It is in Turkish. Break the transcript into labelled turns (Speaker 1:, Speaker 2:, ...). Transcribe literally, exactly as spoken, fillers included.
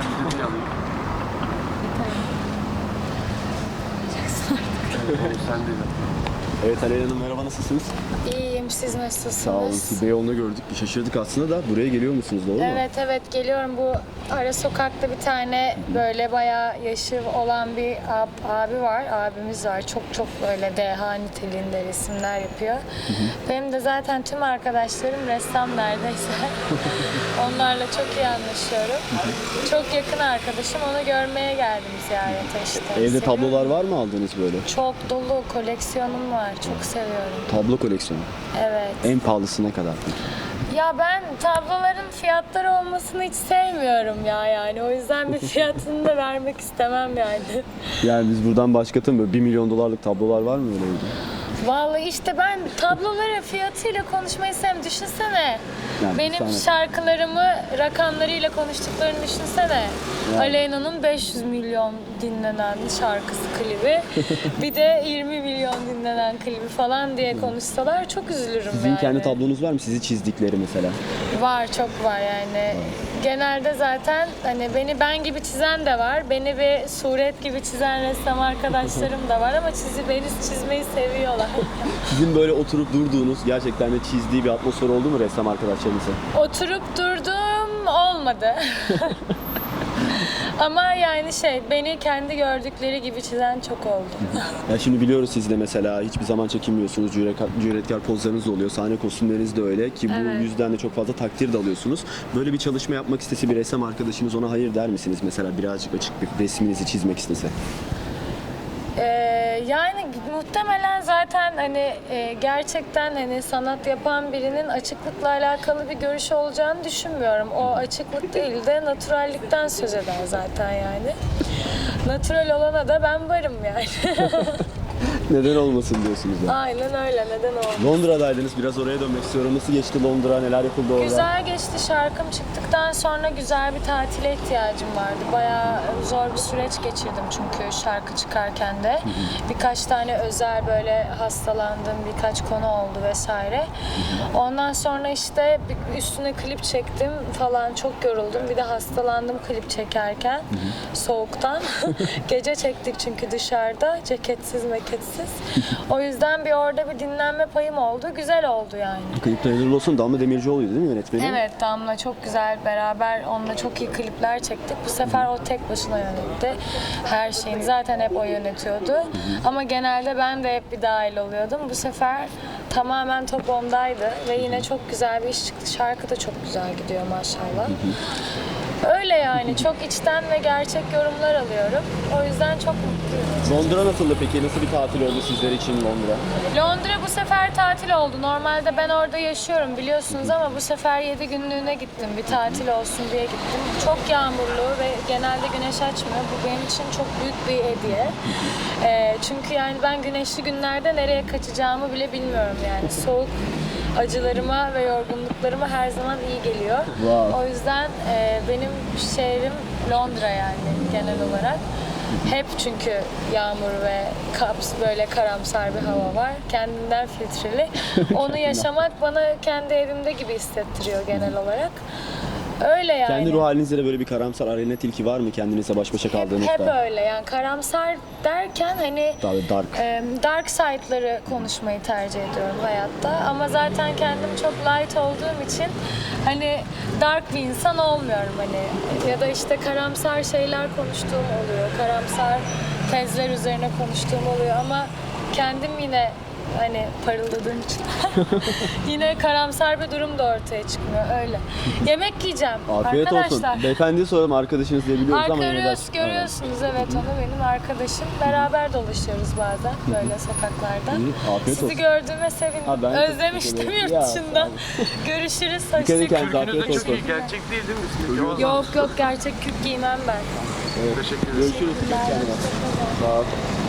Speaker 1: İstediğini alayım. Sen de
Speaker 2: Evet Aleyna Hanım, merhaba, nasılsınız?
Speaker 3: İyiyim, siz nasılsınız?
Speaker 2: Sağ olun. Siz Beyoğlu'nda gördük. Şaşırdık aslında da buraya geliyor musunuz, doğru mu?
Speaker 3: Evet evet geliyorum. Bu ara sokakta bir tane böyle bayağı yaşı olan bir ab- abi var, abimiz var. Çok çok böyle deha niteliğinde resimler yapıyor. Hı hı. Benim de zaten tüm arkadaşlarım ressam neredeyse. Onlarla çok iyi anlaşıyorum. Hı hı. Çok yakın arkadaşım. Onu görmeye geldim ziyarete işte.
Speaker 2: Evde
Speaker 3: Seviyorum.
Speaker 2: tablolar var mı aldığınız böyle?
Speaker 3: Çok dolu koleksiyonum var. Çok seviyorum.
Speaker 2: Tablo koleksiyonu.
Speaker 3: Evet.
Speaker 2: En pahalısı ne kadar?
Speaker 3: Ya ben tabloların fiyatları olmasını hiç sevmiyorum ya yani. O yüzden bir fiyatını da vermek istemem yani.
Speaker 2: Yani biz buradan başkatın böyle bir milyon dolarlık tablolar var mı öyle evde?
Speaker 3: Vallahi işte ben tabloların fiyatıyla konuşmayı sevmem. Düşünsene.
Speaker 2: Yani
Speaker 3: Benim
Speaker 2: sana...
Speaker 3: şarkılarımı rakamlarıyla konuştuklarını düşünsene.
Speaker 2: Yani.
Speaker 3: Aleyna'nın beş yüz milyon dinlenen şarkısı klibi. Bir de yirmi milyon dinlenen klibi falan diye konuşsalar çok üzülürüm.
Speaker 2: Sizin
Speaker 3: yani.
Speaker 2: kendi tablonuz var mı? Sizi çizdikleri mesela.
Speaker 3: Var, çok var yani. Genelde zaten hani beni ben gibi çizen de var. Beni bir suret gibi çizen ressam arkadaşlarım da var ama çizi beni çizmeyi seviyorlar.
Speaker 2: Sizin böyle oturup durduğunuz, gerçekten de çizdiği bir atmosfer oldu mu ressam arkadaşlarınızla?
Speaker 3: Oturup durdum olmadı. Ama yani şey, beni kendi gördükleri gibi çizen çok oldu.
Speaker 2: Ya şimdi biliyoruz siz de mesela hiçbir zaman çekinmiyorsunuz, cüretkar, cüretkar pozlarınız da oluyor, sahne kostümleriniz de öyle ki bu
Speaker 3: Evet.
Speaker 2: yüzden de çok fazla takdir de alıyorsunuz. Böyle bir çalışma yapmak istese bir ressam arkadaşınız ona hayır der misiniz mesela birazcık açık bir resminizi çizmek istese?
Speaker 3: Ee, yani muhtemelen zaten hani e, gerçekten hani sanat yapan birinin açıklıkla alakalı bir görüşü olacağını düşünmüyorum. O açıklık değil de naturallikten söz eder zaten yani. Natural olana da ben varım yani.
Speaker 2: Neden olmasın diyorsunuz ya.
Speaker 3: Aynen öyle, neden olmasın.
Speaker 2: Londra'daydınız, biraz oraya dönmek istiyorum. Nasıl geçti Londra, neler yapıldı orada?
Speaker 3: Güzel geçti. Şarkım çıktıktan sonra güzel bir tatile ihtiyacım vardı. Bayağı zor bir süreç geçirdim çünkü şarkı çıkarken de. Birkaç tane özel böyle hastalandığım birkaç konu oldu vesaire. Ondan sonra işte üstüne klip çektim falan, çok yoruldum. Bir de hastalandım klip çekerken soğuktan. Gece çektik çünkü dışarıda, ceketsiz meketsiz. O yüzden bir orada bir dinlenme payım oldu. Güzel oldu yani.
Speaker 2: Klipte hayırlı olsun. Damla Demircioğlu'ydu değil mi yönetmeni?
Speaker 3: Evet, Damla çok güzel, beraber onunla çok iyi klipler çektik. Bu sefer o tek başına yönetti. Her şeyini zaten hep o yönetiyordu. Ama genelde ben de hep bir dahil oluyordum. Bu sefer tamamen top ondaydı ve yine çok güzel bir iş çıktı. Şarkı da çok güzel gidiyor maşallah. Öyle yani, çok içten ve gerçek yorumlar alıyorum. O yüzden çok mutluyum.
Speaker 2: Londra nasıldı peki? Nasıl bir tatil oldu sizler için Londra?
Speaker 3: Londra bu sefer tatil oldu. Normalde ben orada yaşıyorum biliyorsunuz ama bu sefer yedi günlüğüne gittim. Bir tatil olsun diye gittim. Çok yağmurlu ve genelde güneş açmıyor. Bu benim için çok büyük bir hediye. Ee, çünkü yani ben güneşli günlerde nereye kaçacağımı bile bilmiyorum yani. Soğuk acılarıma ve yorgunluklarıma her zaman iyi geliyor.
Speaker 2: Wow.
Speaker 3: O yüzden e, benim şehrim Londra yani genel olarak. Hep çünkü yağmur ve kaps böyle karamsar bir hava var. Kendinden filtreli. Onu yaşamak bana kendi evimde gibi hissettiriyor genel olarak. Öyle yani.
Speaker 2: Kendi ruh halinizde de böyle bir karamsar arena tilki var mı kendinizle baş başa kaldığınızda?
Speaker 3: Hep, hep öyle yani karamsar derken hani
Speaker 2: Daha dark.
Speaker 3: e, dark side'ları konuşmayı tercih ediyorum hayatta. Ama zaten kendim çok light olduğum için hani dark bir insan olmuyorum hani. Ya da işte karamsar şeyler konuştuğum oluyor. Karamsar tezler üzerine konuştuğum oluyor ama kendim yine hani parıldadığım için yine karamsar bir durum da ortaya çıkmıyor öyle. Yemek yiyeceğim.
Speaker 2: Afiyet
Speaker 3: arkadaşlar.
Speaker 2: olsun. Beyefendiye soralım, arkadaşınız diye biliyoruz ama yine de...
Speaker 3: Görüyoruz, görüyorsunuz evet onu, benim arkadaşım. Beraber dolaşıyoruz bazen böyle sokaklarda.
Speaker 2: İyi, afiyet
Speaker 3: Sizi
Speaker 2: olsun.
Speaker 3: gördüğüme sevindim.
Speaker 2: Ha, ben
Speaker 3: Özlemiştim
Speaker 2: teşekkür ederim.
Speaker 3: yurt
Speaker 2: Ya,
Speaker 3: dışında.
Speaker 2: sağ olun.
Speaker 3: Görüşürüz.
Speaker 2: Dikkat edin
Speaker 3: Hoşçakalın.
Speaker 2: kendinize, afiyet
Speaker 1: Kürkünüz de çok
Speaker 2: olsun.
Speaker 1: iyi. Gerçek değil değil mi üstündeki? O-
Speaker 3: Yok yok, gerçek kürk giymem ben.
Speaker 2: Evet.
Speaker 1: Teşekkür ederim.
Speaker 2: Görüşürüz. Kendine. Sağ ol.